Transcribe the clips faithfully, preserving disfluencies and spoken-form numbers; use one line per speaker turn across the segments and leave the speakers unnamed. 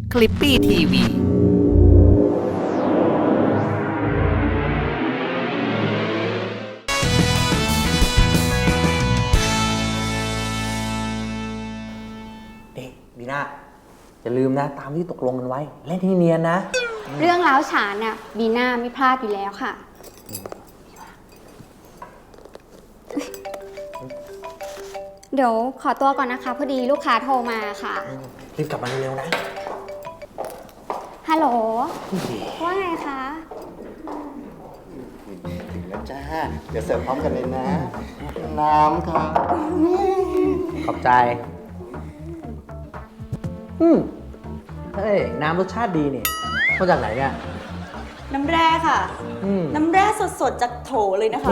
คลิปปี้ทีวี
เอ๊ะบีน่าอย่าลืมนะตามที่ตกลงกันไว้เล่นให้เนียนนะ
เรื่องร้าวฉานน่ะบีน่าไม่พลาดอยู่แล้วค่ะเดี๋ยวขอตัวก่อนนะคะพอดีลูกค้าโทรมาค่ะ
รีบกลับมาเร็วๆนะ
ฮัลโหลว่าไงคะ
ถึงแล้วจ้าเดี๋ยวเสิร์ฟพร้อมกันเลยนะน้ำครับ
ขอบใจอืมเฮ้ยน้ำรสชาติดีนี่มาจากไหนเนี่ย
น้ำแร่ค่ะ
อืม
น้ำแร่สดๆจากโถเลยนะคะ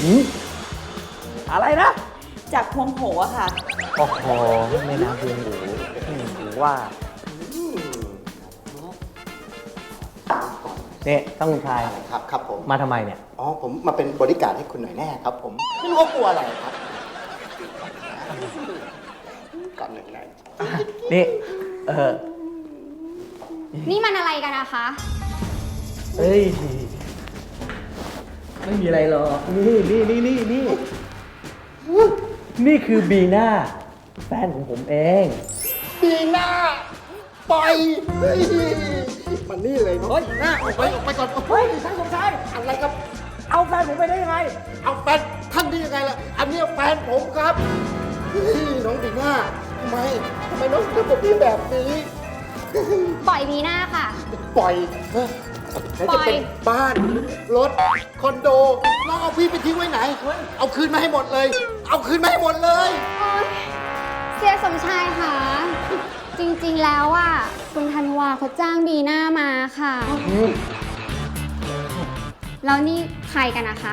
อะไรนะ
จากพวงโหอะค่ะ
โอ้โหแม่น้ำเพียงหูหูว่าเนี่ยตั้งคุณชาย
ครับครับผม
มาทำไมเนี่ย
อ๋อผมมาเป็นบริการให้คุณหน่อยแน่ครับผมไม่รู้ว่ากลัวอะไรครับก่อนหนึ่งนะ
นี่เออ
นี่มันอะไรกันนะคะ
เฮ้ยไม่มีอะไรหรอกนี่นี่นี่นี่นี่นี่คือบีน่าแฟนของผมเอง
บีน่าปล่อยเฮ้ยมันนี่เลยเนาะหน้าออกไปออกไปก่อนเฮ้ยใช่สมชายอะไรครับ
เอาแฟนผมไปได้ยังไง
เอาแฟนท่านได้ยังไงล่ะอันนี้แฟนผมครับเฮ้ยน้องบีน่าทำไมทำไมน้องทำกับพี่แบบนี้
ปล่อยบีน่าค่ะ
ปล่อยเฮ้ยจะเป็นบ้านรถคอนโดน้องเอาพี่ไปทิ้งไว้ไหนเอาคืนมาให้หมดเลยเอาคืนมาให้หมดเลย
เสียสมชายค่ะจริงๆแล้วอ่ะคุณธันวาเขาจ้างบีน่ามาค่ะแล้วนี่ใครกันนะคะ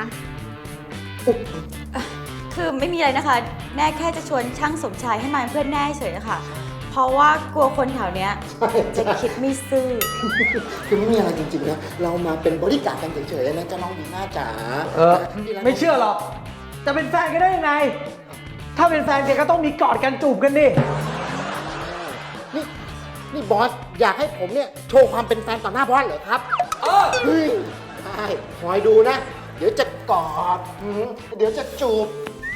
คือไม่มีอะไรนะคะแน่แค่จะชวนช่างสมชายให้มาเป็นเพื่อนแน่เฉยๆค่ะเพราะว่ากลัวคนแถวเนี้ยจะคิดไม่ซื่อ
คือไม่มีอะไรจริงๆนะเรามาเป็นบริการกันเฉยๆนะเจ้าน้องบีน่าจ๋า
เออไม่เชื่อหรอกจะเป็นแฟนกันได้ยังไงถ้าเป็นแฟนกันก็ต้องมีกอดกันจูบกันดิ
นี่นี่บอสอยากให้ผมเนี่ยโชว์ความเป็นแฟนต่อหน้าบอสเหรอครับเออเฮ้ยใช่คอยดูนะเดี๋ยวจะกอดเดี๋ยวจะจูบ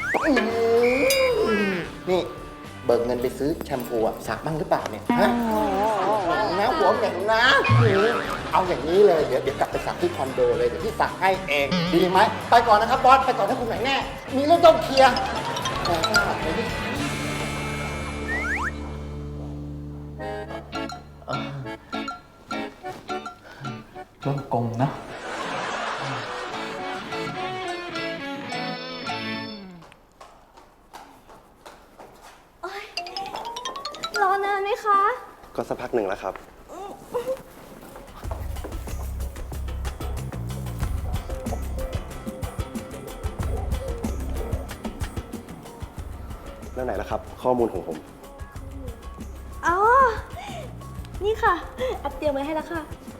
นี่เบิกเงินไปซื้อแชมพูอะสักบ้างหรือเปล่าเนี่ยฮะนะหัวเหม็นนะเอาอย่างนี้เลยเดี๋ยวเดี๋ยวกลับไปสักที่คอนโดเลยเดี๋ยวพี่สักให้เองดีไหมไปก่อนนะครับบอสไปก่อนถ้าคุณไหนแน่มีเรื่องต้องเคลียร์
เรื่องกงนะ
รอนานไหมคะ
ก็สักพักหนึ่งแล้วครับ แล้วไหนล่ะครับ ข้อมูลของผม
อ๋อ นี่ค่ะแอปเตรียมไว้ให้แล้วค่ะ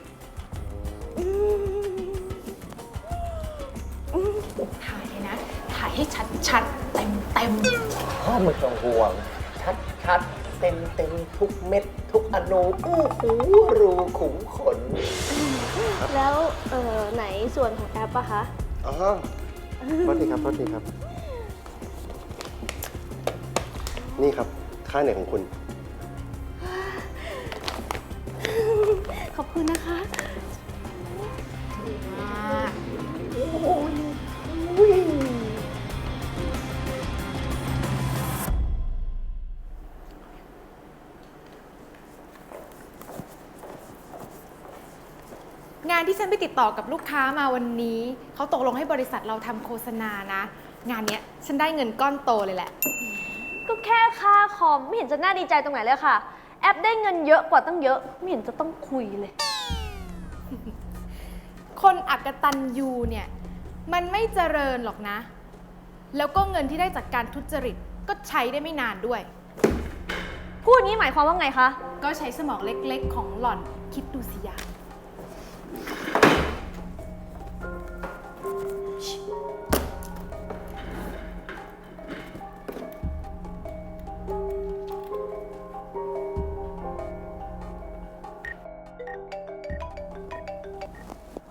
ถ่ายเลยนะ ถ่ายให้ชัดๆ เต็มเต็ม
พ่อไม่ต้องห่วงชัดชัดเต็มเต็มทุกเม็ดทุกอนูอู้หูรูขุมขน
แล้วเอ่อไหนส่วนของแอปอะคะ
อ๋อโทษทีครับโทษทีครับ นี่ครับ ค่าเหนื่อยของคุณ
ขอบคุณนะคะ
งานที่ฉันไปติดต่อกับลูกค้ามาวันนี้เขาตกลงให้บริษัทเราทำโฆษณานะงานเนี้ยฉันได้เงินก้อนโตเลยแหละ
ก็แค่ค่าคอมไม่เห็นจะน่าดีใจตรงไหนเลยค่ะแอปได้เงินเยอะกว่าตั้งเยอะไม่เห็นจะต้องคุยเลย
คนอักตันยูเนี่ยมันไม่เจริญหรอกนะแล้วก็เงินที่ได้จากการทุจริตก็ใช้ได้ไม่นานด้วย
พูดงี้หมายความว่าไงคะ
ก็ใช้สมองเล็กๆของหล่อนคิดดูสิยา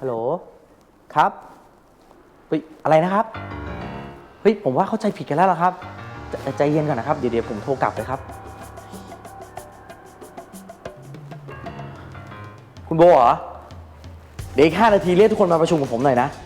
ฮัลโหล ครับ เฮ้ย อะไรนะครับ เฮ้ย ผมว่าเข้าใจผิดกันแล้วล่ะครับใจใจเย็นก่อนนะครับ เดี๋ยวเดี๋ยวผมโทรกลับเลยครับ คุณโบเหรอ เดี๋ยวอีกห้านาทีเรียกทุกคนมาประชุมกับผมหน่อยนะ